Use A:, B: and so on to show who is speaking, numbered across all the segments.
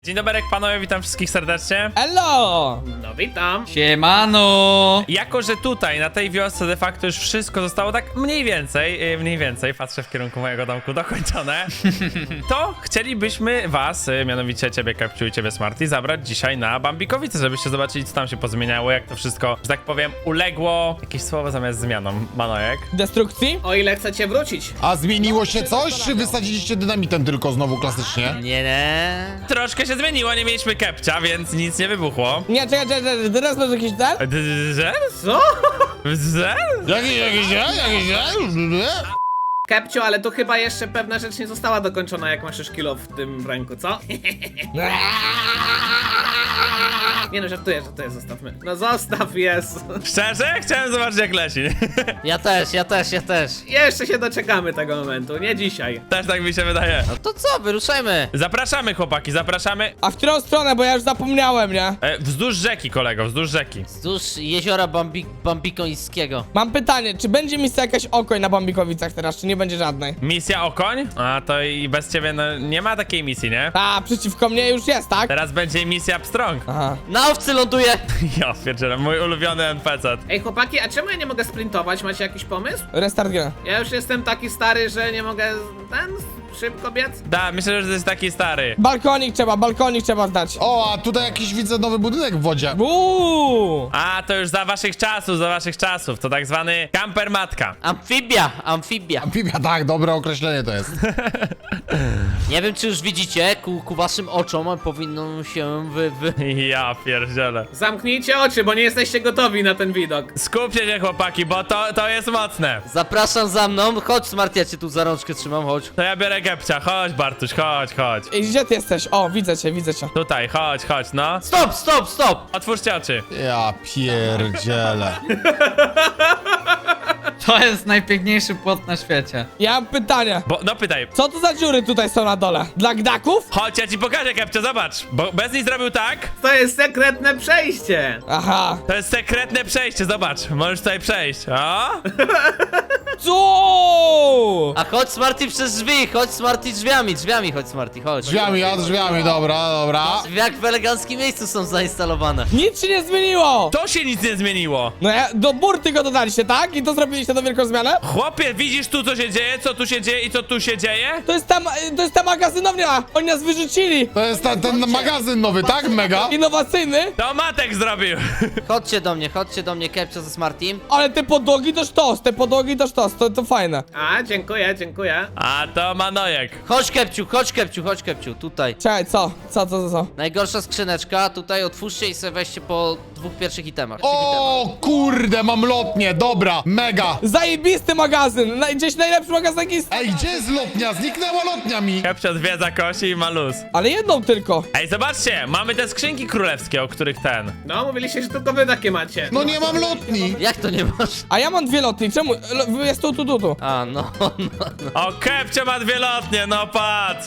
A: Dzień dobry panowie, witam wszystkich serdecznie.
B: Hello!
C: No witam.
D: Siemano!
A: Jako, że tutaj na tej wiosce de facto już wszystko zostało tak mniej więcej, patrzę w kierunku mojego domku, dokończone, to chcielibyśmy was, mianowicie ciebie Kepciu i ciebie Smarty, zabrać dzisiaj na Bambikowice, żebyście zobaczyli, co tam się pozmieniało, jak to wszystko, że tak powiem, uległo. Jakieś słowo zamiast zmianą, Manojek.
B: Destrukcji?
C: O ile chcecie wrócić.
E: A zmieniło się coś, czy wysadziliście dynamitem tylko znowu klasycznie?
D: Nie.
A: Troszkę się zmieniło, nie mieliśmy Kepcia, więc nic nie wybuchło.
B: Nie, czekaj, teraz masz jakiś ten?
A: Że?
C: Co?
A: Że?
C: Kepcio, ale tu chyba jeszcze pewna rzecz nie została dokończona, jak masz już kilo w tym ręku, co? Nie no, żartuję, zostawmy. No zostaw, jest.
A: Szczerze? Chciałem zobaczyć, jak leci.
D: Ja też.
C: Jeszcze się doczekamy tego momentu, nie dzisiaj.
A: Też tak mi się wydaje.
D: No to co, wyruszajmy.
A: Zapraszamy, chłopaki, zapraszamy.
B: A w którą stronę, bo ja już zapomniałem, nie?
A: Wzdłuż rzeki, kolego, wzdłuż rzeki.
D: Wzdłuż jeziora Bambikońskiego.
B: Mam pytanie, czy będzie misja jakaś okoń na Bambikowicach teraz, czy nie będzie żadnej?
A: Misja Okoń? A to i bez ciebie, no nie ma takiej misji, nie?
B: A, przeciwko mnie już jest, tak?
A: Teraz będzie misja Pstrąg.
B: Aha.
D: Na owcy ląduje.
A: Ja pierdzielę, mój ulubiony NPC.
C: Ej chłopaki, a czemu ja nie mogę sprintować? Macie jakiś pomysł?
B: Restart gry.
C: Ja już jestem taki stary, że nie mogę szybko biec.
A: Da, myślę, że to jest taki stary.
B: Balkonik trzeba zdać.
E: O, a tutaj jakiś widzę nowy budynek w wodzie.
A: A, to już za waszych czasów, to tak zwany kamper matka.
D: Amfibia.
E: Amfibia, tak, dobre określenie to jest.
D: Nie wiem, czy już widzicie, ku waszym oczom powinno się
A: Ja pierdzielę.
C: Zamknijcie oczy, bo nie jesteście gotowi na ten widok.
A: Skupcie się, chłopaki, bo to jest mocne.
D: Zapraszam za mną. Chodź, Smart, ja cię tu za rączkę trzymam, chodź.
A: To ja biorę Kepcia, chodź Bartuś, chodź.
B: Ej, gdzie ty jesteś? O, widzę cię.
A: Tutaj, chodź, no.
D: Stop!
A: Otwórzcie oczy.
E: Ja pierdzielę.
F: To jest najpiękniejszy płot na świecie.
B: Ja mam pytanie.
A: No pytaj.
B: Co to za dziury tutaj są na dole? Dla gdaków?
A: Chodź, ja ci pokażę, Kepcio, zobacz. Bo bez niej zrobił tak.
C: To jest sekretne przejście.
B: Aha.
A: To jest sekretne przejście, zobacz. Możesz tutaj przejść. O?
B: Co?
D: A chodź, Smarty, przez drzwi. Chodź, Smarty, drzwiami, chodź, Smarty, chodź.
E: Drzwiami, dobra.
D: Jak w eleganckim miejscu są zainstalowane.
B: Nic się nie zmieniło.
A: To się nic nie zmieniło.
B: No ja, do burty go dodaliście, tak? I to zrobiliście tą wielką zmianę?
A: Chłopie, widzisz tu, co się dzieje, co tu się dzieje i co tu się dzieje?
B: To jest ta magazynownia! Oni nas wyrzucili!
E: To jest ten magazyn nowy, tak? Mega?
B: Innowacyjny!
A: To Matek zrobił.
D: Chodźcie do mnie, Kepcio ze Smartym.
B: Ale te podłogi to sztos, to fajne.
C: A, dziękuję.
A: A to Manojek.
D: Chodź, Kepciu, tutaj.
B: Czekaj, co?
D: Najgorsza skrzyneczka, tutaj otwórzcie i sobie weźcie po dwóch pierwszych itemach.
E: O kurde, mam lotnię, dobra, mega.
B: Zajebisty magazyn! Gdzieś najlepszy magazyn jaki jest.
E: Ej, gdzie jest lotnia? Zniknęła lotnia mi.
A: Kepcio zwiedza kosi i ma luz.
B: Ale jedną tylko.
A: Ej, zobaczcie, mamy te skrzynki królewskie, o których ten.
C: No, mówiliście, że tylko wy takie macie.
E: No nie mam lotni.
D: Jak to nie masz?
B: A ja mam dwie lotni, czemu? Jest tu.
D: A, no.
A: O, Kepcio ma dwie lotnie, no patrz.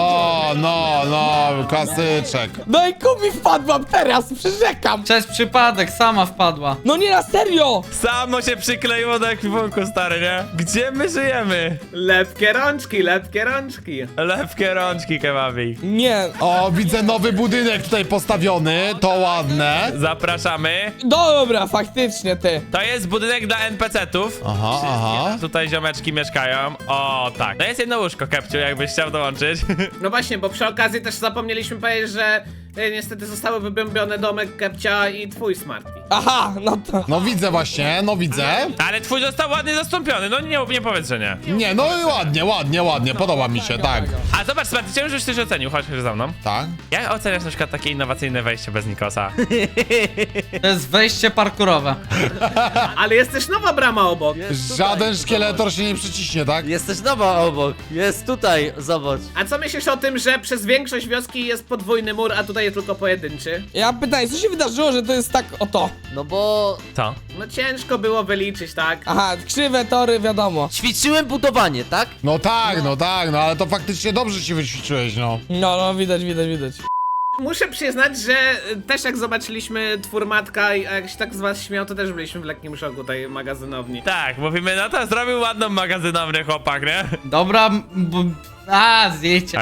E: No, klasyczek.
B: No i kubi wpadłam teraz, przyrzekam!
F: Przez przypadek, sama wpadła.
B: No nie, na serio!
A: Samo się przykleiło do ekwipunku, stary, nie? Gdzie my żyjemy?
C: Lepkie rączki.
A: Lepkie rączki, kebabi.
B: Nie.
E: O, widzę nowy budynek tutaj postawiony, to ładne.
A: Zapraszamy.
B: Dobra, faktycznie ty.
A: To jest budynek dla NPC-tów.
E: Aha.
A: Tutaj ziomeczki mieszkają. O, tak. No jest jedno łóżko, Kepciu, jakbyś chciał dołączyć.
C: No właśnie, bo przy okazji też zapomnieliśmy powiedzieć, że niestety zostały wybębione domek Kepcia i twój Smarty.
B: Aha, no to.
E: No widzę właśnie,
A: Ale twój został ładnie zastąpiony, no nie powiedz, że nie.
E: Nie, no i ładnie, podoba mi się, tak.
A: A zobacz, Smarty, chciałem, żebyś coś ocenił, chodź za mną.
E: Tak?
A: Jak oceniasz na przykład takie innowacyjne wejście bez Nikosa?
F: To jest wejście parkurowe.
C: Ale jest też nowa brama obok.
E: Żaden szkieletor się nie przyciśnie, tak?
D: Jest też nowa obok. Jest tutaj, zobacz.
C: A co myślisz o tym, że przez większość wioski jest podwójny mur, a tutaj jest tylko pojedynczy?
B: Ja mam pytanie, co się wydarzyło, że to jest tak oto?
D: No bo
A: Co?
C: No ciężko było wyliczyć, tak?
B: Aha, krzywe tory, wiadomo.
D: ćwiczyłem budowanie, tak?
E: No tak, ale to faktycznie dobrze się wyćwiczyłeś, no.
B: No, widać.
C: Muszę przyznać, że też jak zobaczyliśmy twór matka i jak się tak z was śmiał, to też byliśmy w lekkim szoku tej magazynowni.
A: Tak, mówimy, no to zrobił ładną magazynowny chłopak, nie?
F: Dobra, A, zdjęcie.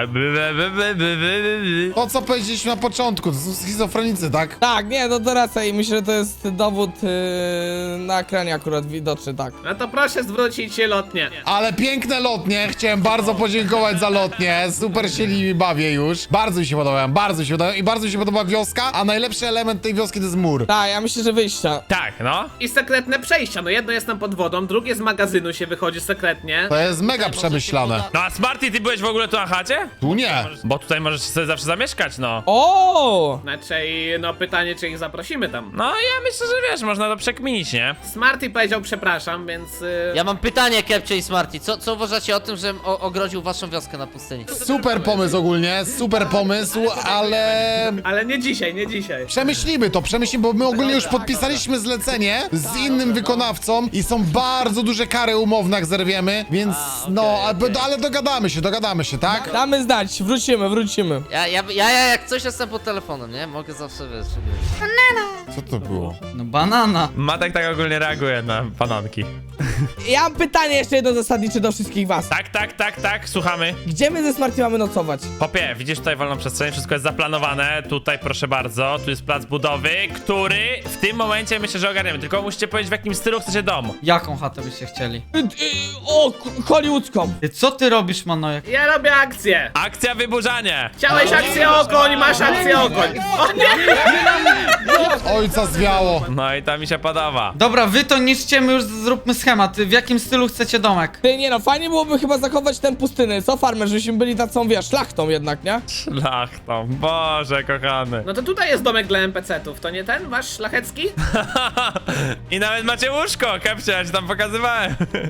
E: To co powiedzieliśmy na początku, to są schizofrenicy, tak?
B: Tak, nie, no to racja i myślę, że to jest dowód na ekranie akurat widoczny, tak.
C: No to proszę zwrócić lotnię.
E: Ale piękne lotnie, chciałem bardzo podziękować za lotnie, super się nimi bawię już. Bardzo mi się podobają, bardzo mi się podobają i bardzo mi się podoba wioska, a najlepszy element tej wioski to jest mur.
B: Tak, ja myślę, że wyjścia.
A: Tak, no.
C: I sekretne przejścia, no jedno jest tam pod wodą, drugie z magazynu się wychodzi sekretnie.
E: To jest mega przemyślane.
A: No a Smarty, ty byłeś w ogóle tu na chacie?
E: Tu nie.
A: Bo tutaj możesz sobie zawsze zamieszkać, no.
B: O!
C: Znaczy, no pytanie, czy ich zaprosimy tam.
A: No ja myślę, że wiesz, można to przekminić, nie?
C: Smarty powiedział przepraszam, więc...
D: Ja mam pytanie, Kepcio i Smarty. Co uważacie o tym, że ogrodził waszą wioskę na pustyni?
E: Super pomysł ogólnie, super pomysł, ale...
C: Ale nie dzisiaj, nie dzisiaj.
E: Przemyślimy, bo my ogólnie już podpisaliśmy zlecenie z innym wykonawcą i są bardzo duże kary umowne, jak zerwiemy, więc no, ale dogadamy się, tak?
B: Damy znać, wrócimy.
D: Ja jak coś jestem pod telefonem, nie? Mogę zawsze, wiesz...
E: Co to było?
F: No banana.
A: Matek tak ogólnie reaguje na bananki.
B: Ja mam pytanie jeszcze jedno zasadnicze do wszystkich was.
A: Tak, słuchamy.
B: Gdzie my ze Smarty mamy nocować?
A: Popie, widzisz tutaj wolną przestrzeń, wszystko jest zaplanowane. Tutaj proszę bardzo, tu jest plac budowy, który w tym momencie myślę, że ogarniemy. Tylko musicie powiedzieć, w jakim stylu chcecie dom.
F: Jaką chatę byście chcieli?
B: O, hollywoodzką.
F: Ty, co ty robisz, Manojek?
C: Ja robię akcję.
A: Akcja wyburzanie.
C: Chciałeś akcję okoń, masz akcję okoń. O nie!
E: Ojca zwiało.
A: No i to mi się podoba.
F: Dobra, wy to niszcie, my już zróbmy schemat. W jakim stylu chcecie domek?
B: Ty, nie no, fajnie byłoby chyba zachować ten pustyny, co farmer, żebyśmy byli taką, wiesz, szlachtą jednak, nie?
A: Szlachtą, Boże kochany.
C: No to tutaj jest domek dla NPC-ów, to nie ten, wasz szlachecki?
A: I nawet macie łóżko, Kepcie, ja ci tam pokazywałem.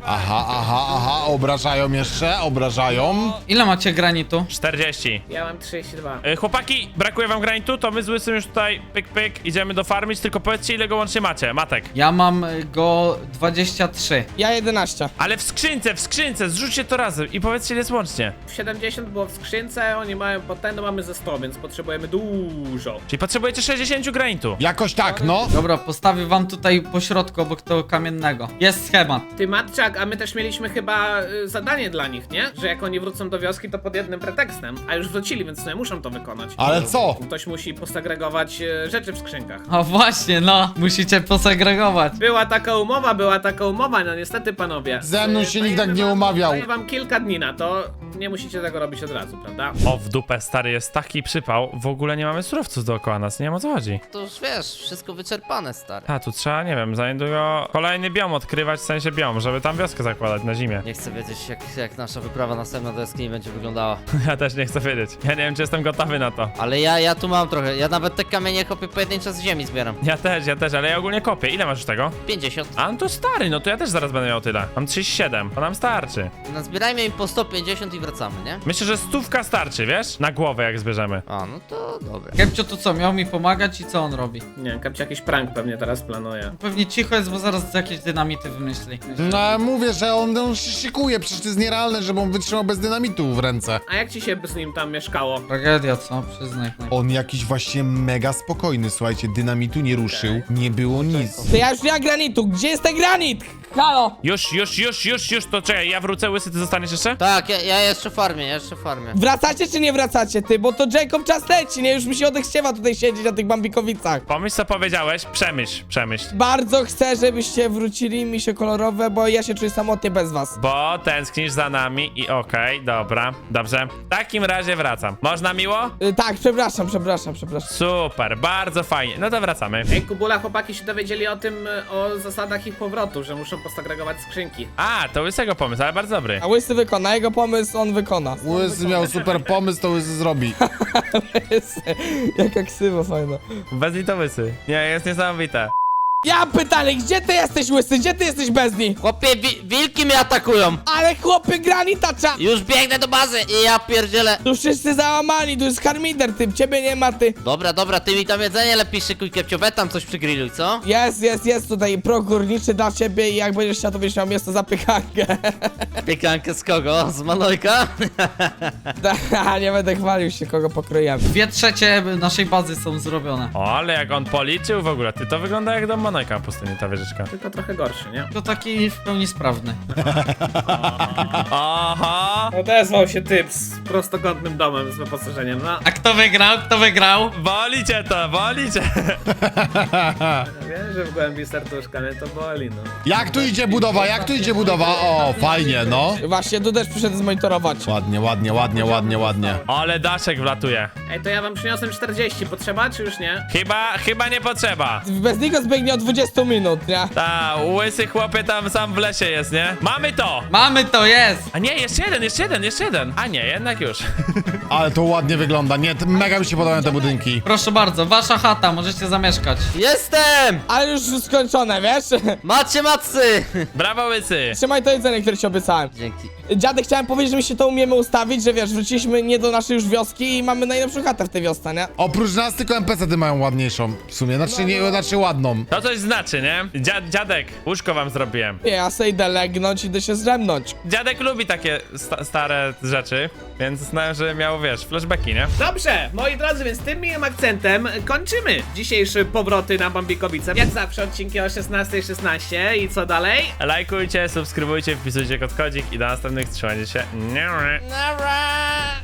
E: Aha, obrażają jeszcze, obrażają.
F: Ile macie granitu?
A: 40.
C: Ja mam 32.
A: Chłopaki, brakuje wam granitu, to my z Łysym już tutaj pyk, idziemy dofarmić, tylko powiedzcie, ile go łącznie macie, Matek.
F: Ja mam go 23.
B: Ja 11.
A: Ale w skrzynce, zrzućcie to razem i powiedzcie, ile jest łącznie.
C: 70 było w skrzynce, oni mają potem, no mamy ze 100, więc potrzebujemy dużo.
A: Czyli potrzebujecie 60 granitu.
E: Jakoś tak, no.
F: Dobra, postawię wam tutaj po środku obok tego kamiennego. Jest schemat.
C: Ty Matczak, a my też mieliśmy chyba zadanie dla nich, nie? Że jak oni wrócą do wioski, to pod jednym pretekstem. A już wrócili, więc nie muszą to wykonać.
E: Ale co?
C: Ktoś musi posegregować rzeczy w skrzynkach.
F: O właśnie, no. Musicie posegregować.
C: Była taka umowa, no niestety panowie.
E: Ze mną się nikt tak nie umawiał.
C: Daję wam kilka dni na to, nie musicie tego robić od razu, prawda?
A: O, w dupę, stary, jest taki przypał, w ogóle nie mamy surowców dookoła nas, nie wiem o co chodzi.
D: To już wiesz, wszystko wyczerpane, stary.
A: A, tu trzeba, nie wiem, za niedługo kolejny biom odkrywać, w sensie biom, żeby tam wioskę zakładać na zimie.
D: Nie chcę wiedzieć, jak nasza wyprawa następna do jaskini będzie wyglądała.
A: Ja też nie chcę wiedzieć. Ja nie wiem, czy jestem gotowy na to.
D: Ale ja tu mam trochę. Ja nawet te kamienie kopię pojedyncze z ziemi zbieram.
A: Ja też, ale ja ogólnie kopię. Ile masz już tego?
D: 50.
A: A, no to stary, no to ja też zaraz będę miał tyle. Mam 37, to nam starczy.
D: No zbierajmy im po 150 i wracamy, nie?
A: Myślę, że 100 starczy, wiesz? Na głowę jak zbierzemy.
D: A, no to dobra.
F: Kepcio to co, miał mi pomagać i co on robi?
C: Nie, Kapcia jakiś prank pewnie teraz planuje.
F: Pewnie cicho jest, bo zaraz jakieś dynamity wymyśli.
E: No mówię, że on się szykuje, przecież to jest nierealne, żeby on wytrzymał bez dynamitu w ręce.
C: A jak ci się z nim tam mieszkało?
F: Tragedia, co? Przyznaj.
E: On jakiś właśnie mega spokojny, słuchajcie, dynamitu nie ruszył, nie było nic.
B: Ty, ja już nie mam granitu, gdzie jest ten granit? Halo!
A: Już, to czekaj, ja wrócę, Łysy, ty zostaniesz jeszcze?
D: Tak, ja jeszcze farmię,
B: Wracacie czy nie wracacie, ty? Bo to Jacob czas leci, nie? Już mi się odechciewa tutaj siedzieć na tych Bambikowicach.
A: Pomyśl, co powiedziałeś, przemyśl.
B: Bardzo chcę, żebyście wrócili mi się kolorowe, bo ja się czuję samotnie bez was.
A: Bo tęsknisz za nami i okej, dobra, dobrze. W takim razie wracam. Można miło?
B: Tak, przepraszam.
A: Super, bardzo fajnie. No to wracamy.
C: Ej, Kubula, chłopaki się dowiedzieli o tym, o zasadach ich powrotu, że muszą posegregować skrzynki.
A: A, to Łysego pomysł, ale bardzo dobry.
B: A Łysy wykona, jego pomysł on wykona.
E: Łysy miał super pomysł, to Łysy zrobi.
B: Łysy, jaka ksywa fajna.
A: Bez niej to Łysy. Nie, jest niesamowite.
B: Ja mam pytanie, gdzie ty jesteś, Łysy? Gdzie ty jesteś bez niej?
D: Chłopie, wilki mnie atakują!
B: Ale chłopy, granita cza...
D: Już biegnę do bazy i ja pierdzielę.
B: Tu wszyscy załamani, tu jest harmider, ty, ciebie nie ma, ty.
D: Dobra, ty mi tam jedzenie lepiej szykuj, Kepcio, we tam coś przygrilluj, co?
B: Jest tutaj progórniczy dla ciebie i jak będziesz chciał, to będziesz miał miejsce za piekankę.
D: Piekankę z kogo? Z Manojka?
B: Nie będę chwalił się, kogo pokrojemy.
F: 2/3 naszej bazy są zrobione.
A: O, ale jak on policzył w ogóle, ty to wygląda jak dom Manojka. Hanojka na pustyni, ta wieżyczka.
C: Tylko trochę gorszy, nie?
F: To taki w pełni sprawny.
A: Aha!
C: Odezwał się typ z prostokątnym domem z wyposażeniem, no.
F: A kto wygrał? Kto wygrał?
A: Bolicie to, bolicie!
C: Wiem, że w głębi serduszka, ale to boli, no.
E: Jak tu idzie budowa, jak tu idzie budowa? O, fajnie, no.
B: Właśnie, tu też przyszedłem zmonitorować.
E: Ładnie, ładnie, ładnie, ładnie, ładnie.
A: Ale daszek wlatuje.
C: Ej, to ja wam przyniosłem 40, potrzeba czy już nie?
A: Chyba nie potrzeba.
B: Bez niego zbiegnie od 20 minut, nie?
A: Ta, łysy chłopie tam sam w lesie jest, nie? Mamy to!
F: Mamy to, jest!
A: A nie, jeszcze jeden. A nie, jednak już.
E: Ale to ładnie wygląda, nie, mega mi się podobają te budynki.
F: Proszę bardzo, wasza chata, możecie zamieszkać.
D: Jestem!
B: Ale już skończone, wiesz?
D: Macie macy!
A: Brawo, łysy.
B: Trzymaj to jedzenie, które ci obiecałem.
D: Dzięki.
B: Dziadek, chciałem powiedzieć, że my się to umiemy ustawić, że wiesz, wróciliśmy nie do naszej już wioski i mamy najlepszą chatę w tej wiosce, nie?
E: Oprócz nas tylko NPC-ty mają ładniejszą w sumie, znaczy, nie, znaczy ładną.
A: To coś znaczy, nie? Dziadek, łóżko wam zrobiłem.
B: Nie, ja se idę legnąć, idę się zdrzemnąć.
A: Dziadek lubi takie stare rzeczy, więc znałem, że miał, wiesz, flashbacki, nie?
C: Dobrze, moi drodzy, więc tym miłym akcentem kończymy dzisiejsze powroty na Bambikowice. Jak zawsze odcinki o 16:16 i co dalej?
A: Lajkujcie, subskrybujcie, wpisujcie kodzik i do następnych, trzymajcie się.